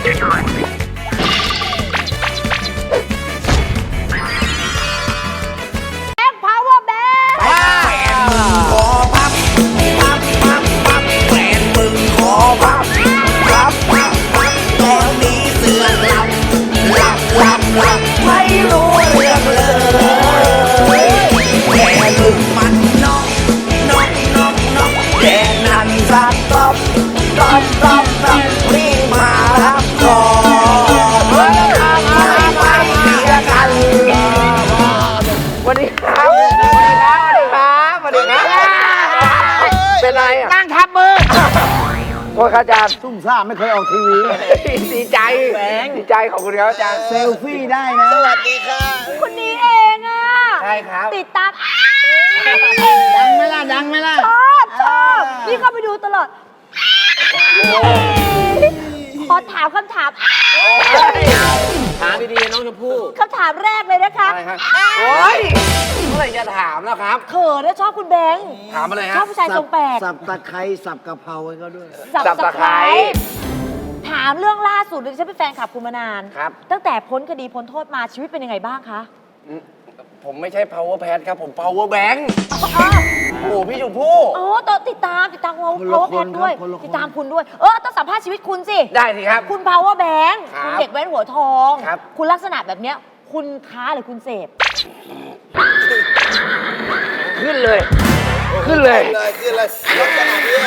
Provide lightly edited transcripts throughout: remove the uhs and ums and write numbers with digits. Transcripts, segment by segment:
power bank แฟนมึงขอพับพับพับพับแฟนมึงขอพับพับพับพับตอนนี้เสือกหลับไม่รู้เรื่องเลยแกมึงมันน็อกแกนั่นสักต๊อบรีบมารับก่อนไม่เสียกันสวัสดีครับเป็นไรอ่ะนั่งทับมือโทษครับอาจารย์ซุ่มซ่ามไม่เคยออกทีวีดีใจดีใจขอบคุณครับอาจารย์เซลฟี่ได้นะสวัสดีค่ะคนนี้เองอ่ะใช่ครับติดตามดังไหมล่ะชอบนี่เข้าไปดูตลอด ขอถามคำถามถามดีๆน้องชมพู่คำถามแรกเลยนะคะอะไรครับโอ้ยเมื่อไหร่จะถามแล้วครับเขินนะชอบคุณแบงค์ถามอะไรฮะชอบผู้ชายทรงแปลกสับตะไคร้สับกะเพราให้เขาด้วยสับตะไคร้ถามเรื่องล่าสุดเลยฉันเป็นแฟนคลับคุณมานานครับตั้งแต่พ้นคดีพ้นโทษมาชีวิตเป็นยังไงบ้างคะผมไม่ใช่ power pad ครับผม power bank อ้าวโอ้โหพี่ชมพู่อ๋อต้องติดตามเขาคนละ power คน pad ด้วยครับคนละคนติดตามคุณด้วย ต้องสัมภาษณ์ชีวิตคุณสิได้สิครับคุณ power bank ครับคุณเด็กแว้นหัวทองครับคุณลักษณะแบบเนี้ย คุณค้าหรือคุณเสพขึ้นเลยขึ้นเลยลักษณะนี้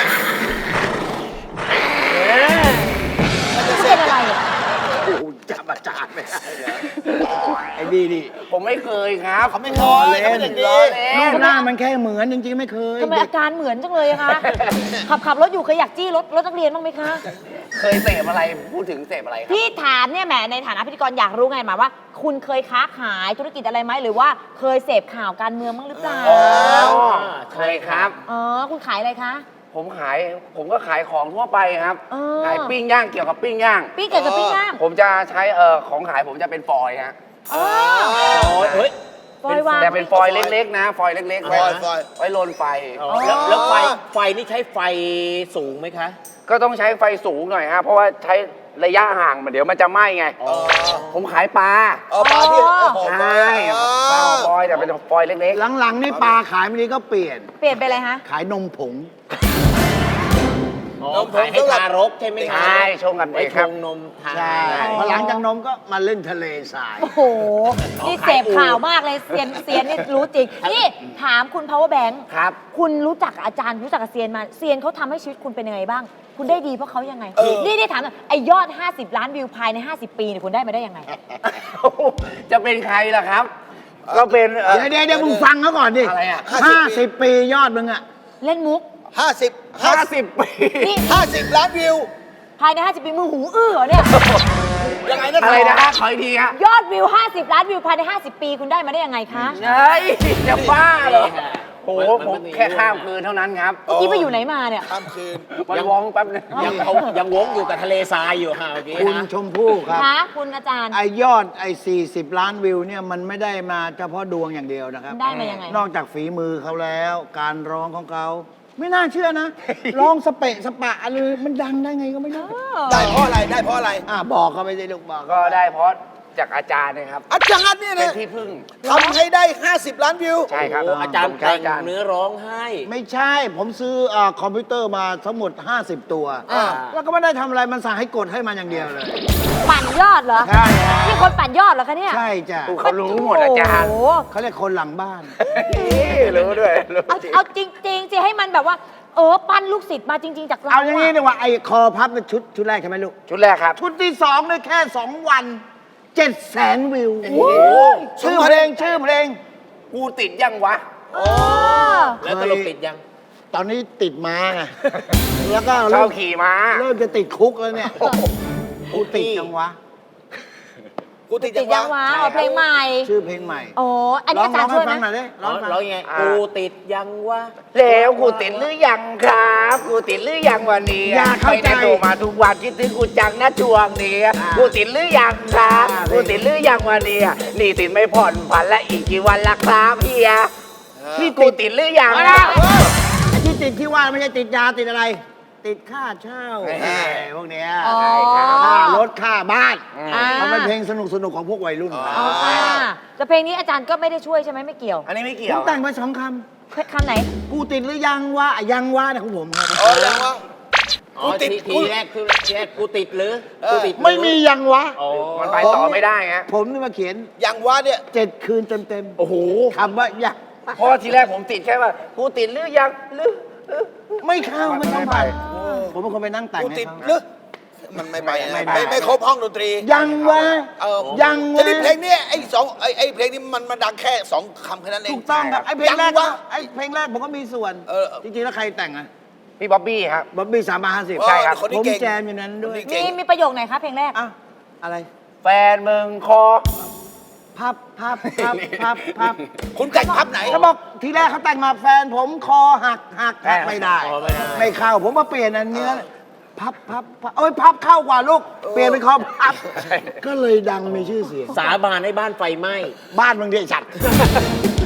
คุณเป็นอะไรอ่ะโอ้โหจับอาจารย์ไม่ได้ไอ้ดีดิผมไม่เคยครับเขาไม่เคยเล่น รูปหน้ามันแค่เหมือนจริงๆไม่เคยทำไมอาการเหมือนจังเลยอะคะ ขับรถอยู่เคยอยากจี้รถนักเรียนบ้างไหมคะเคยเสพอะไรพูดถึงเสพอะไรครับพี่ถามเนี่ยแหมในฐานะพิธีกรอยากรู้ไงมาว่า คุณเคยค้าขายธุรกิจอะไรไหมหรือว่าเคยเสพข่าวการเมืองบ้างหรือเปล่าอ๋อเคยครับอ๋อคุณขายอะไรคะผมก็ขายของทั่วไปครับ ขายปิ้งย่างเกี่ยวกับปิ้งย่างปิ้งเกี่ยวกับปิ้งย่างผมจะใช้ของขายผมจะเป็นฟอยล์ฮะอ๋อเฮ้ยฟอยวางแต่เป็นฟอยล์เล็กๆนะ ฟอยล์เล็กๆฟอยล์ไว้โรนไฟแล้วไฟนี่ใช้ไฟสูงไหมคะก็ต้องใช้ไฟสูงหน่อยฮะเพราะว่าใช้ระยะห่างเดี๋ยวมันจะไหม้ไง ผมขายปลาปลาที่ใช่ปลาฟอยล์แต่เป็นฟอยล์เล็กหลังๆนี่ปลาขายไม่ดีก็เปลี่ยนเปลี่ยนไปเลยฮะขายนมผงขายให้ทารกใช่ไหมๆคะใช่ชงกันเอไว้งชครับงนมทานใช่พอหลังจากนมก็มาเล่นทะเลทรายโอ้โห นี่เสพข่าวมากเลยเซียนนี่รู้จริง นี่ถามคุณ power bank ครับคุณรู้จักอาจารย์รู้จักกับเซียนมาเซียนเขาทำให้ชีวิตคุณเป็นยังไงบ้าง คุณได้ดีเพราะเขายังไง นี่ถามหน่อยไอยอด 50 ล้านวิวภายใน 50 ปีเนี่ยคุณได้มาได้ยังไงจะเป็นใครล่ะครับ ก็เป็นเดี๋ยวมึงฟังเขาก่อนดิอะไรอ่ะ 50 ปียอดมึงอะเล่นมุก 50 ปีนี่ 50 ล้านวิวภายใน 50 ปีมึงหูอื้อเหรอเนี่ยยังไงนะอะไรนะฮะขออีกทีฮะยอดวิว 50 ล้านวิวภายใน 50 ปีคุณได้มาได้ยังไงคะเฮ้ยจะบ้าเหรอโอ้โหผมแค่ข้ามคืนเท่านั้นครับเมื่อกี้ไปอยู่ไหนมาเนี่ยข้ามคืนมันวองแป๊บนึงยังวงอยู่กับทะเลทรายอยู่ค่ะเมื่อกี้คุณนะชมพู่ครับคะคุณอาจารย์ไอยอด40 ล้านวิวเนี่ยมันไม่ได้มาเฉพาะดวงอย่างเดียวนะครับได้มายังไงนอกจากฝีมือเขาแล้ว การร้องของเขา ไม่น่าเชื่อนะ ร้องสเปะสปะอะไรมันดังได้ไงก็ไม่รู้ได้เพราะอะไร ได้เพราะอะไรบอกเขาไปสิลูกบอกก็ได้เพราะจากอาจารย์นะครับอาจารย์เนี่ยเป็นนะที่พึ่งทำให้ได้ 50 ล้านวิวใช่ครับอาจารย์ผมใช้แต่งเนื้อร้องให้ไม่ใช่ ผมซื้อคอมพิวเตอร์มาทั้งหมด 50 ตัวอ่าแล้วก็ไม่ได้ทำอะไรมันสั่งให้กดให้มันอย่างเดียวเลยปั่นยอดเหรอใช่ฮะนี่คนปั่นยอดเหรอคะเนี่ยใช่จ้ะเขารู้หมดอาจารย์โอ้โหเขาเรียกคนหลังบ้านรู้ด้วยรู้เอาจริงๆสิให้มันแบบว่า ปั้นลูกศิษย์มาจริง ๆ จากเราเอาอย่างนี้ดีกว่าไอ้คอพับเป็นชุดแรกใช่ไหมลูกชุดแรกครับชุดที่2เลยแค่ 2 วัน 700,000 วิว ชื่อเพลงกูติดยังวะเออแล้วตลกติดยังตอนนี้ติดม้าไง แล้วก็ชอเริ่บมขี่ม้าจะติดคุกแล้วเนี่ยกูติดจังวะกูติดติดยังวะเอาเพลงใหม่ชื่อเพลงใหม่โอ้อันนี้อาจารย์ช่วยไหมร้องให้ฟังหน่อยดิร้องให้ฟังร้องยังไงอ่ากูติดยังวะแล้วกูติดหรือยังครับกูติดหรือยังวันนี้อย่าเข้าใจไม่ได้โทรมาทุกวันคิดถึงกูจังนะช่วงนี้กูติดหรือยังครับกูติดหรือยังวันนี้นี่ติดไม่ผ่อนผันและอีกกี่วันละครับเฮียที่กูติดหรือยังเอาละไอ้ที่ติดที่ว่าไม่ใช่ติดยาติดอะไร ติดค่าเช่าเฮ้ยพวกเนี้ยอ๋อค่ารถถค่าบ้านอ่ามันเป็นเพลงสนุกของพวกวัยรุ่นครับเอาค่ะแต่เพลงนี้อาจารย์ก็ไม่ได้ช่วยใช่ไหมไม่เกี่ยวอันนี้ไม่เกี่ผยวมแต่งไป2 คคำไหนำกูติดหรือยังวะยังวะเนี่ยของผมครับยังวะอ๋อทีแรกกูติดหรือกูติดหรือไม่มียังวะอ๋อมันไปต่อไม่ได้ไงผมนี่มาเขียนยังวะเนี่ย 7 คืนเต็มโอ้โหๆคำว่ายังเพราะว่าทีแรกผมติดแค่ว่ากูติดหรือยังหรือไม่เข้าไม่ต้องไม่ไปไปผมเป็นคนไปนั่งแต่งกูให้ติดเขาหรือมันไม่ไปนะไม่ไปไม่ครบห้องดนตรียังวะ ยังจะวะได้เพลงเนี้ยไอ้เพลงนี้มันดังแค่2 คำแค่นั้นเองถูกต้องครับไอ้เพลงแรกยังวะไอ้เพลงแรกผมก็มีส่วน จริงๆแล้วใครแต่งอะพี่บ๊อบบี้ครับบ๊อบบี้350 ใช่ครับคนนี้ผมเก่งแจมอยู่นั้นด้วยคนนี้เก่งมีประโยคไหนคะเพลงแรกอ่ะอะไรแฟนมึงคอพับคุณแต่งพับไหนเขาบอกทีแรกเขาแต่งมาแฟนผมคอหักไม่ได้ ไม่เข้าผมมาเปลี่ยนอันเนี้ยพับโอ้ยพับเข้ากว่าลูก เปลี่ยนเป็นคอพับ ก็เลยดังมีชื่อเสียงสาบานให้บ้านไฟไหม้บ้านบางทีจัด